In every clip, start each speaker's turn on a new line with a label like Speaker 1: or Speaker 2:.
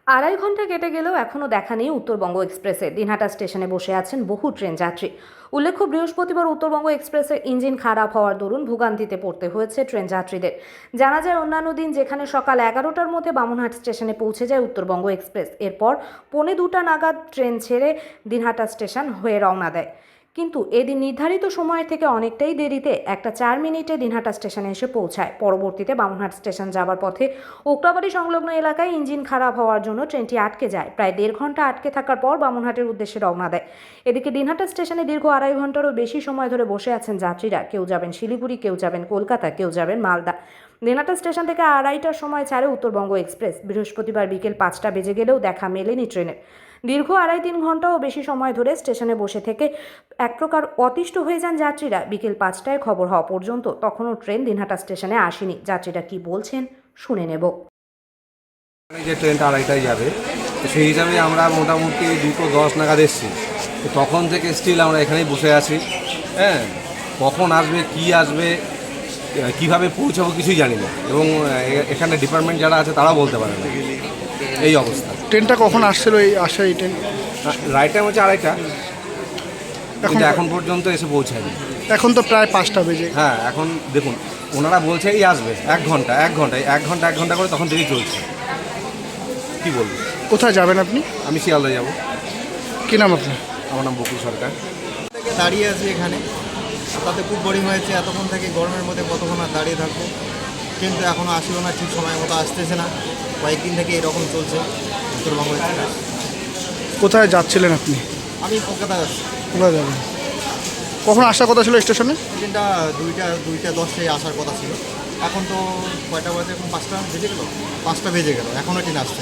Speaker 1: আড়াই ঘন্টা কেটে গেলেও এখনও দেখা নেই উত্তরবঙ্গ এক্সপ্রেসে। দিনহাটা স্টেশনে বসে আছেন বহু ট্রেন যাত্রী। উল্লেখ্য, বৃহস্পতিবার উত্তরবঙ্গ এক্সপ্রেসের ইঞ্জিন খারাপ হওয়ার দরুন ভোগান্তিতে পড়তে হয়েছে ট্রেন যাত্রীদের। জানা যায়, অন্যান্য দিন যেখানে সকাল 11টার মধ্যে বামুনহাট স্টেশনে পৌঁছে যায় উত্তরবঙ্গ এক্সপ্রেস, এরপর 2:45 নাগাদ ট্রেন ছেড়ে দিনহাটা স্টেশন হয়ে রওনা দেয়। কিন্তু এদিন নির্ধারিত সময়ের থেকে অনেকটাই দেরিতে 1:04 মিনিটে দিনহাটা স্টেশনে এসে পৌঁছায়। পরবর্তীতে বামুনহাট স্টেশন যাবার পথে ওকরাবাড়ি সংলগ্ন এলাকায় ইঞ্জিন খারাপ হওয়ার জন্য ট্রেনটি আটকে যায়। প্রায় 1.5 ঘন্টা আটকে থাকার পর বামুনহাটের উদ্দেশ্যে রওনা দেয়। এদিকে দিনহাটা স্টেশনে দীর্ঘ আড়াই ঘন্টারও বেশি সময় ধরে বসে আছেন যাত্রীরা। কেউ যাবেন শিলিগুড়ি, কেউ যাবেন কলকাতা, কেউ যাবেন মালদা। দিনহাটা স্টেশন থেকে 2:30টার সময় ছাড়ে উত্তরবঙ্গ এক্সপ্রেস। বৃহস্পতিবার বিকেল 5টা বেজে গেলেও দেখা মেলেনি ট্রেনের। দীর্ঘ 2.5-3 ঘন্টাও বেশি সময় ধরে স্টেশনে বসে থেকে এক প্রকার অতিষ্ঠ হয়ে যান যাত্রীরা। বিকেল 5টায় খবর হওয়া পর্যন্ত তখনও ট্রেন দিনহাটা স্টেশনে আসেনি। যাত্রীরা কি বলছেন শুনে নেব।
Speaker 2: যে ট্রেনটা 2:30টায় যাবে, তো সেই হিসাবে আমরা মোটামুটি 2:10 নাগাদ এসেছি। তো তখন থেকে স্টিল আমরা এখানেই বসে আছি। হ্যাঁ, কখন আসবে, কি আসবে, কিভাবে পৌঁছাবো কিছুই জানি না, এবং এখানে ডিপার্টমেন্ট যারা আছে তারাও বলতে পারে না, এই অবস্থা।
Speaker 3: ট্রেনটা কখন আসছিল এই ট্রেন?
Speaker 2: রাইট টাইম হচ্ছে 2:30টা, কিন্তু এখন পর্যন্ত এসে পৌঁছায়নি।
Speaker 3: এখন তো প্রায় 5টা বেজে।
Speaker 2: হ্যাঁ, এখন দেখুন ওনারা বলছে এই আসবে 1 ঘন্টা 1 ঘন্টা করে, তখন থেকেই চলছে। কি বলবো?
Speaker 3: কোথায় যাবেন আপনি?
Speaker 2: আমি শিয়ালদা যাবো।
Speaker 3: কী নাম আপনার?
Speaker 2: আমার নাম বকুল সরকার।
Speaker 4: দাঁড়িয়ে আছি এখানে, তাতে খুব বোরিং হয়েছে। এতক্ষণ থেকে গরমের মধ্যে কতক্ষণ আর দাঁড়িয়ে থাকবো, কিন্তু এখনও আসলো না, ঠিক সময় মতো আসতেছে না। কয়েকদিন থেকে এরকম চলছে উত্তরবঙ্গ এক্সপ্রেস।
Speaker 3: কোথায় যাচ্ছিলেন আপনি?
Speaker 4: আমি কলকাতা যাচ্ছি।
Speaker 3: কোথায় যাবেন? কখন আসার কথা ছিল স্টেশনে?
Speaker 4: ট্রেনটা 2:10 আসার কথা ছিল। এখন তো কয়টা বাজে? এখন 5টা বেজে গেল। 5টা বেজে গেল, এখনও ট্রেন আসছে।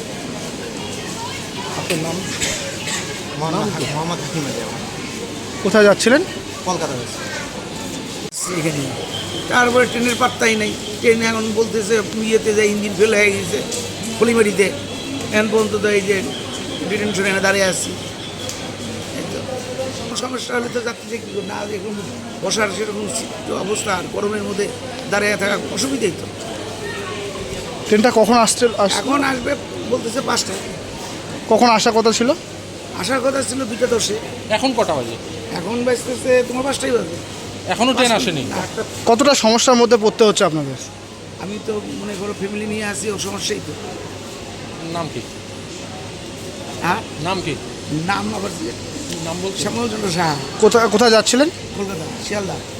Speaker 3: আপনার নাম?
Speaker 4: মোহাম্মদ হাকিম আলী আমার।
Speaker 3: কোথায় যাচ্ছিলেন?
Speaker 4: কলকাতা যাচ্ছি।
Speaker 5: এখানে তারপরে ট্রেনের পাত্তাই নেই। ট্রেন এখন বলতেছে ইয়েতে যে ইঞ্জিন ফেল হয়ে গেছে খলিমারিতে। এখন পর্যন্ত তো এই যে ডিটেনশনে দাঁড়িয়ে আসছি। সমস্যা হলে তো যাত্রী কী না, এখন বসার সেরকম অবস্থা, আর গরমের মধ্যে দাঁড়িয়ে থাকা অসুবিধাই তো।
Speaker 3: ট্রেনটা কখন আসছে?
Speaker 5: এখন আসবে বলতেছে 5টায়।
Speaker 3: কখন আসার কথা ছিল?
Speaker 5: আসার কথা ছিল 2:10।
Speaker 6: এখন কটা বাজে?
Speaker 5: এখন বাজতেছে তোমার 5টাই বাজে,
Speaker 6: এখনো ট্রেন আসেনি।
Speaker 3: কতটা সমস্যার মধ্যে পড়তে হচ্ছে আপনাদের?
Speaker 5: আমি তো মনে করো ফ্যামিলি নিয়ে আসি, ও সমস্যাই তো।
Speaker 6: নাম কি?
Speaker 5: হ্যাঁ,
Speaker 6: নাম কি?
Speaker 5: নাম আবার
Speaker 6: নাম বলছি।
Speaker 5: শ্যামলচন্দ্র সাহা।
Speaker 3: কোথায় যাচ্ছিলেন?
Speaker 5: কলকাতা, শিয়ালদা।